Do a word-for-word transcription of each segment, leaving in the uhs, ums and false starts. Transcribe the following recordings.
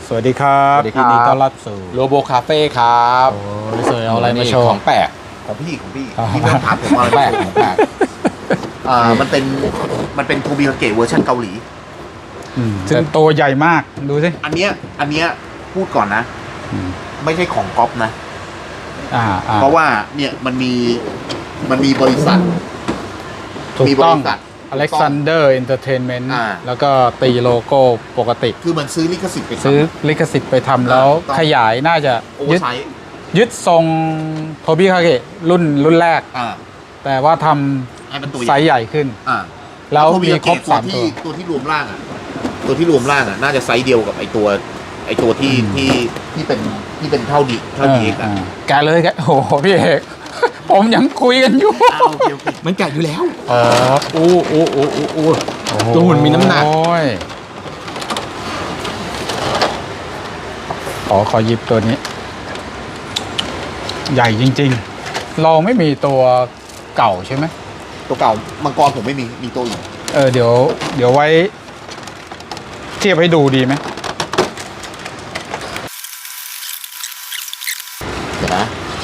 สวัสดีครับยินดีต้อนรับสู่โลโบคาเฟ่ครับโอ้ยสวยเอาอะไรมาโชว์ของแปลกของพี่ของพี่พี่ไม่ต้องถามผมว่าอะไรแปลกของแปลกอ่ามันเป็นมันเป็นทูบิคาเกะเวอร์ชันเกาหลีซึ่งตัวใหญ่มากดูสิอันเนี้ยอันเนี้ยพูดก่อนนะอืมไม่ใช่ของก๊อปนะอ่าอ่าเพราะว่าเนี่ยมันมีมันมีบริษัทถูกมีบต้องริษัท Alexander Entertainment อ่าแล้วก็ตีโลโก้ปกติคือมันซื้อลิขสิทธิ์ไปทำซื้อลิขสิทธิ์ไปทำแล้วต้องขยายน่าจะโอเวอยึดร์ไซส์ยึดทรงโทบิคาเกะรุ่นรุ่นแรกอ่าแต่ว่าทให้มันตัวำไซส์ใหญ่ขึ้นอ่าแล้วโทบิมีคาครบเกะสามที่ตัวตัวที่รวมร่างอ่ะตัวที่รวมร่างอ่ะน่าจะไซส์เดียวกับไอตัวไอตัวที่ที่ที่เป็นที่เป็นเท่าดีเท่าดีเอ็กซ์อ่ะาแกะเลยแกะโอ้โหพี่เอก ผมยังคุยกันอยู่อ้าวโอเคโอเคมันแกะอยู่แล้วอ๋ออู้อู้อู้อู้อู้โอ้โหตัวหุ่นมีน้ำหนักโอ้ยขอขอหยิบตัวนี้ ใหญ่จริงๆ เราไม่มีตัวเก่าใช่ไหมตัวเก่ามังกรผมไม่มีมีตัวอื่นเออเดี๋ยว เดี๋ยวไว้ เทียบให้ดูดีไหมเดี๋ยวนะ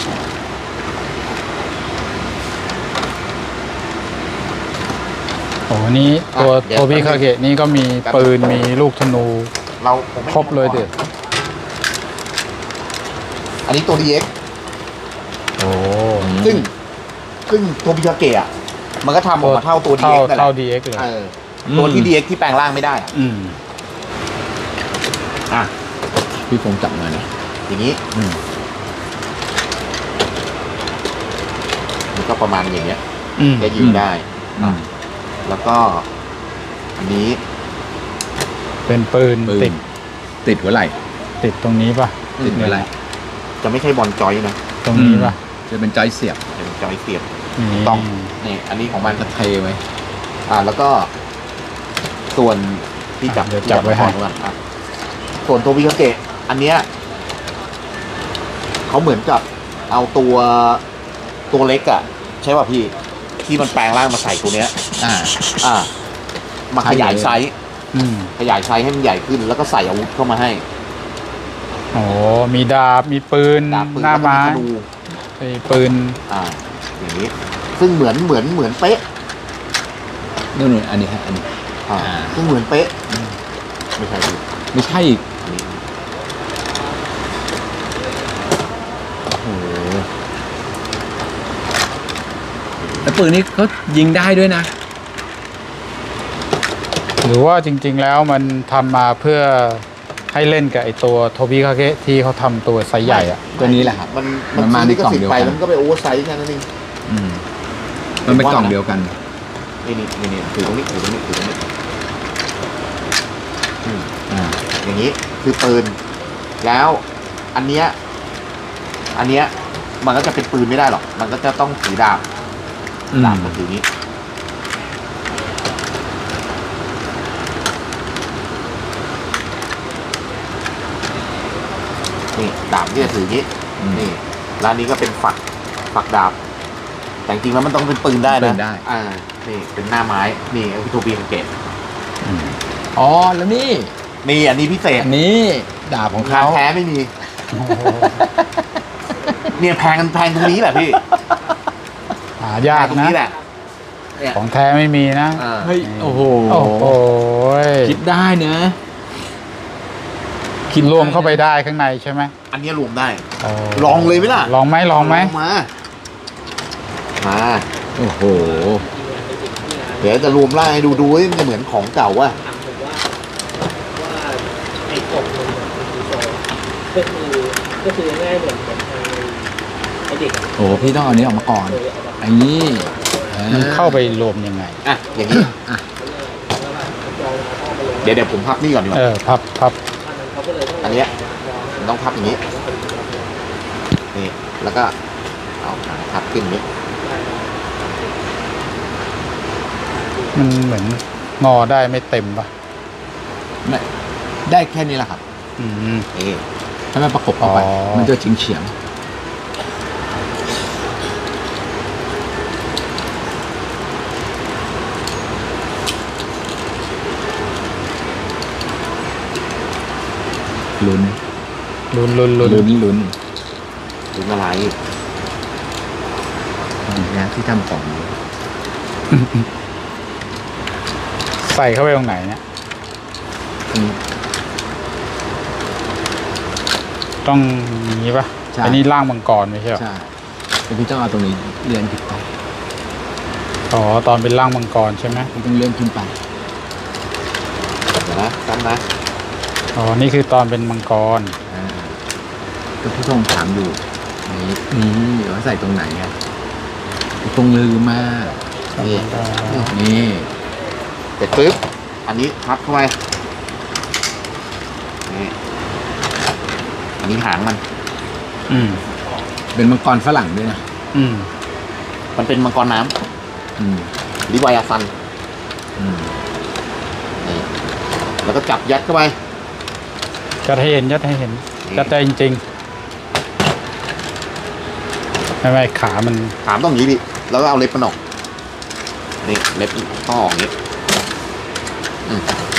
โอ้โหนี่ตัวอ่ะเดี๋ยวโทบิคาเกะนี่ก็มีปืนมีลูกธนูเราผมไม่ครบเลยเด็ดอันนี้ตัว ดี เอ็กซ์โอ้ซึ่งซึ่งตัวบิคาเกะอะมันก็ทำออกมาเท่าตัว ดีเท่าเอ็กซ์นั่นแหเท่าละดี เอ็กซ์เลยเออตัวที่ ดี เอ็กซ์ ที่แปลงร่างไม่ได้อะอืมอ่ะพี่ผมจับหน่อยนะอย่างนี้อืมมันก็ประมาณอย่างเงี้ยอืมจะยิงได้อืมแล้วก็อันนี้เป็นปืนปืนติดติดหัวไหล่ติดตรงนี้ป่ะติดหัวไหล่จะไม่ใช่บอลจอยนะตรงนี้ป่ะจะเป็นจอยเสียบเป็นจอยเสียบนี่ต้องนี่อันนี้ของมันจะเทไว้อ่าแล้วก็ ส่วนที่จับเดี๋ยวจับไว้ให้ก่อนอ่ะส่วนตัวบิคาเกะอันเนี้ยเขาเหมือนกับเอาตัวตัวเล็กอะใช่ป่ะพี่ที่มันแปลงร่างมาใส่ตัวเนี้ยอ่าอ่า มาขยายไซส์อืมขยายไซส์ให้มันใหญ่ขึ้น แล้วก็ใส่อาวุธเข้ามาให้โอ้มีดาบ มีปืนดาบปืนหน้าแล้วก็ไม้มีธนูมีปืนอ่า อย่างนี้ ซึ่งเหมือนเหมือนเหมือนเป๊ะนู่นนู่นอันนี้ฮะอันนี้อ่าอ่าซึ่งเหมือนเป๊ะไม่ใช่ดิไม่ใช่อีกอันนี้โอ้โหแล้วปืนนี้เขายิงได้ด้วยนะหรือว่าจริง ๆ แล้วมันทำมาเพื่อให้เล่นกับไอตัวโทบิคาเกะที่เขาทำตัวไซส์ใหญ่อะตัวนี้แหละครับมันมันมาซื้อในลิขกล่องสิทเดียธิ์วไปกันแล้วมันก็ไปโอเวอร์ไซส์แค่นั้นเองอืมมันเป็นกล่องเดียวกันนี่นี่นี่นี่ถือตรงนี้ถือตรงนี้ถือตรงนี้อืมอ่าอย่างนี้คือปืน แล้วอันเนี้ยอันเนี้ยมันก็จะเป็นปืนไม่ได้หรอก มันก็จะต้องถือดาบอืมดาบมันถือนี้นี่ดาบที่จะถือนี้อืมนี่ร้านนี้ก็เป็นฝักฝักดาบ แต่จริงๆแล้วมันต้องเป็นปืนได้ปืนะนได้อ่านี่เป็นหน้าไม้นี่พิโทบีคาเกตอ๋อแล้วนี่นี่อันนี้พิเศษอันนี้ดาบของราเขาแท้ไม่มี เนี่ยแพงกันแพงตรงนี้แหละพี่หายากแพงตรงนะนี้แหละเนี่ยของแท้ไม่มีนะอ่าเฮ้ยโอ้โหโอ้โหคิดได้เนอะคิดรวมเข้าไปได้ข้างในใช่ไหมอันนี้รวมได้โอ้ลองเลยไหมล่ะลองไหมลองไหมมา มาโอ้โหเดี๋ยวจะรวมร่างให้ดูดูว่ามันจะเหมือนของเก่าว่ะไอ้กบมันก็คือก็คือง่ายเหมือนกับทางไอ้เด็กอะโอ้โหพี่ต้องเอาอันนี้ออกมาก่อนเคยเอามาอันนี้มันเข้าไปรวมยังไงอ่ะ อย่างนี้ เดี๋ยวเดี๋ยวผมพับนี่ก่อนดีกเอว่าอ พับพับเขาก็เลยต้องอันเนี้ยมันต้องพับอย่างนี้ นี่ แล้วก็เอาขาพับขึ้นอย่างนี้มันเหมือนงอได้ไม่เต็มป่ะไม่ได้แค่นี้แหละครับอืมนี่ถ้ามันประกบเข้าไปอ๋อมันจะเฉียงเฉียงลุ้นลุ้นลุ้นลุ้นลุ้นลุ้นหรืออะไรนะที่ทำของใส่เข้าไปตรงไหนเนี่ยอืมต้องอย่างนี้ปะใช่อันนี้ร่างมังกรไม่ใช่เหรอใช่แต่พี่ต้องเอาตรงนี้เลื่อนขึ้นไปอ๋อตอนเป็นร่างมังกรใช่ไหมพี่ต้องเลื่อนขึ้นไปเดี๋ยวนะตั้งนะอ๋อนี่คือตอนเป็นมังกรอ่าก็พี่ต้องถามอยู่นี่นี่ว่าใส่ตรงไหนอ่ะตรงลืมมากนี่นี่เสร็จปุ๊บอันนี้พับเข้าไปนี่อันนี้หางมันอืมเป็นมังกรฝรั่งด้วยนะอืมมันเป็นมังกรน้อืมำลิวายาซันอืมนี่แล้วก็จับยัดเข้าไปยัดให้เห็นยัดให้เห็นนี่ยัดใจจริงๆไม่ไม่ขามันถามต้องอย่างนี้ดิแล้วก็เอาเล็บมันออกนี่เล็บต้องออกอย่างนี้อืม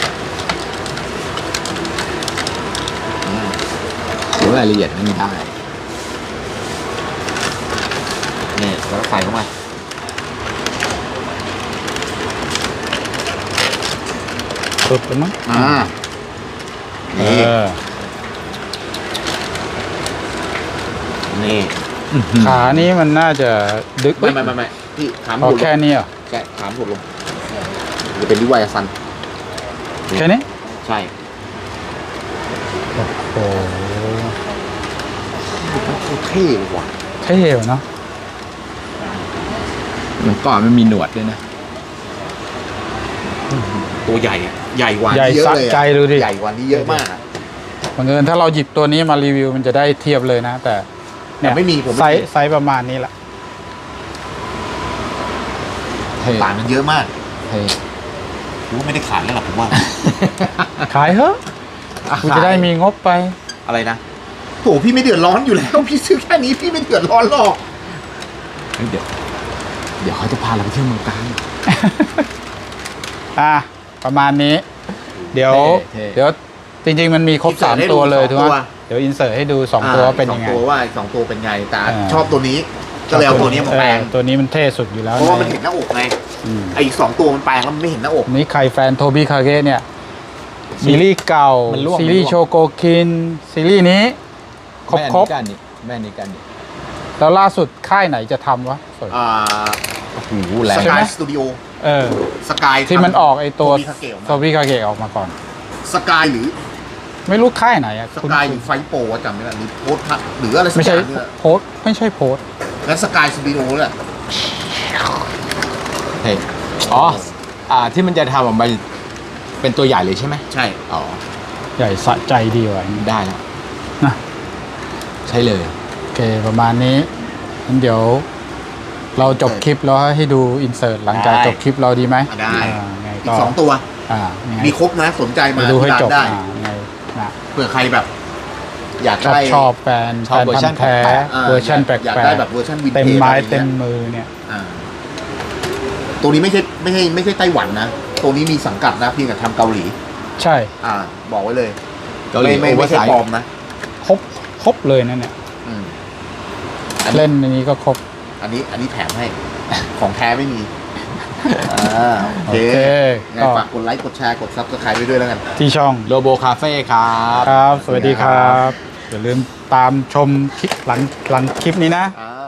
อืมเดี๋ยวรายละเอียดไม่ได้นี่แล้วก็ใส่เข้ามาสุดไปมั้งอ่าเอนี่อนี่ขานี้มันน่าจะดึกไม่ไม่ไม่ไม่พี่ขามพอหดลแค่งนี้เหรอแค่ขามหดลงจะเป็นลิวายาซันแค่นี้ใช่โอ้โหมันโคตรเท่เลยว่ะเท่เนาะมังกรมันมีหนวดด้วยนะตัวใหญ่อะใหญ่กว่าใหญ่นี้เยอะสะเลยอะใจดูดิใหญ่กว่านี้เยอะมากอะบังเอิญถ้าเราหยิบตัวนี้มารีวิวมันจะได้เทียบเลยนะ แต่แต่ไม่มีผมไซไม่มีส์ไซส์ประมาณนี้แหละเท่ต่างกันเยอะมากเท่ผมว่าไม่ได้ขายแล้วหรอกผมว่าขายเถอะกูจะได้มีงบไปอะไรนะโถพี่ไม่เดือดร้อนอยู่แล้ว พี่ซื้อแค่นี้พี่ไม่เดือดร้อนหรอกเฮ้ยเดี๋ยวเดี๋ยวเขาจะพาเราไปเที่ยวเมืองกาญอ่ะประมาณนี้ เดี๋ยวเท่ๆเดี๋ยวจริงๆมันมีครบสามตัวเลยถูกไหมเดี๋ยวอินเสิร์ตให้ดูสองตัวว่าเป็นยังไงสองตัวว่าสองตัวเป็นไงแต่อ่าชอบตัวนี้ก็เลยเอาตัวนี้มาแปลงเออตัวนี้มันเท่สุดอยู่แล้วเพราะว่ามันในเห็นหน้าอกไงอืมไอ้อีกสองตัวมันแปลงแล้วมันไม่เห็นหน้าอกนี่ใครแฟนโทบี้คาเกะเนี่ย ซีรีส์เก่ามันร่วงซีรีส์โชโกคิน ซีรีส์นี้ ครบแม่ครบนี้กันนี่แม่นี้กันนี่แล้วล่าสุดค่ายไหนจะทำวะสวยอ่าโอ้โหแรงสใช่กาไหมยสตูดิโอเออสกายที่มันออกไอตัวโทบี้คาเกะออกมาโทบี้คาเกะออกมาก่อนสกายหรือไม่รู้ค่ายไหนอะสคุณกายหรือไฟโปรอะจำไม่ได้หรือโพสต์หรืออะไรสักไม่อใช่ย่างเนี่ยโพสต์ไม่ใช่โพสต์งั้นสกายสตูดิโอแหละเท่อ๋ออ่าที่มันจะทำออกมาเป็นตัวใหญ่เลยใช่ไหมใช่อ๋อใหญ่สะใจดีว่ะได้แล้วนะใช่เลยโอเคประมาณนี้งั้นเดี๋ยว เราจบคลิปแล้วให้ดูอินเสิร์ตหลังจากจบคลิปเราดีไหมได้อ่าไงอีก็กสองตัวอ่ายังไงมีครบนะสนใจมาไปดูให้ที่ร้านจบได้อ่าไงนะเผื่อใครแบบ อยากชอบได้ชอบแฟนชอบแฟนเวอร์ชัพันนธุ์แท้แปลกอ่าเวอร์ชันแปลกอยากๆได้แบบเวอร์ชันวินเทจเต็มไม้อะไรอย่างเงี้ยเต็มมือเนี่ยอ่าตัวนี้ไม่ใช่ไม่ใช่ไม่ใช่ไต้หวันนะตัวนี้มีสังกัดนะเพียงแต่ทำเกาหลีใช่อ่า บอกไว้เลยเกาหลีไม่ไม่โอเวอไม่ร์ใช่ไซส์ปลอมนะครบครบเลยนะเนี่ยอืมเล่นอันนี้ก็ครบอันนี้อันนี้แถมให้ ของแท้ไม่มีอ่าโอโอเคเคไงก็ฝากกดไลค์กดแชร์กดซับสไครต์ไว้ด้วยแล้วกันที่ช่องโลโบคาเฟ่ครับครับ สวัสดีครับ อย่าลืมตามชมคลิปหลังหลังคลิปนี้นะอ่า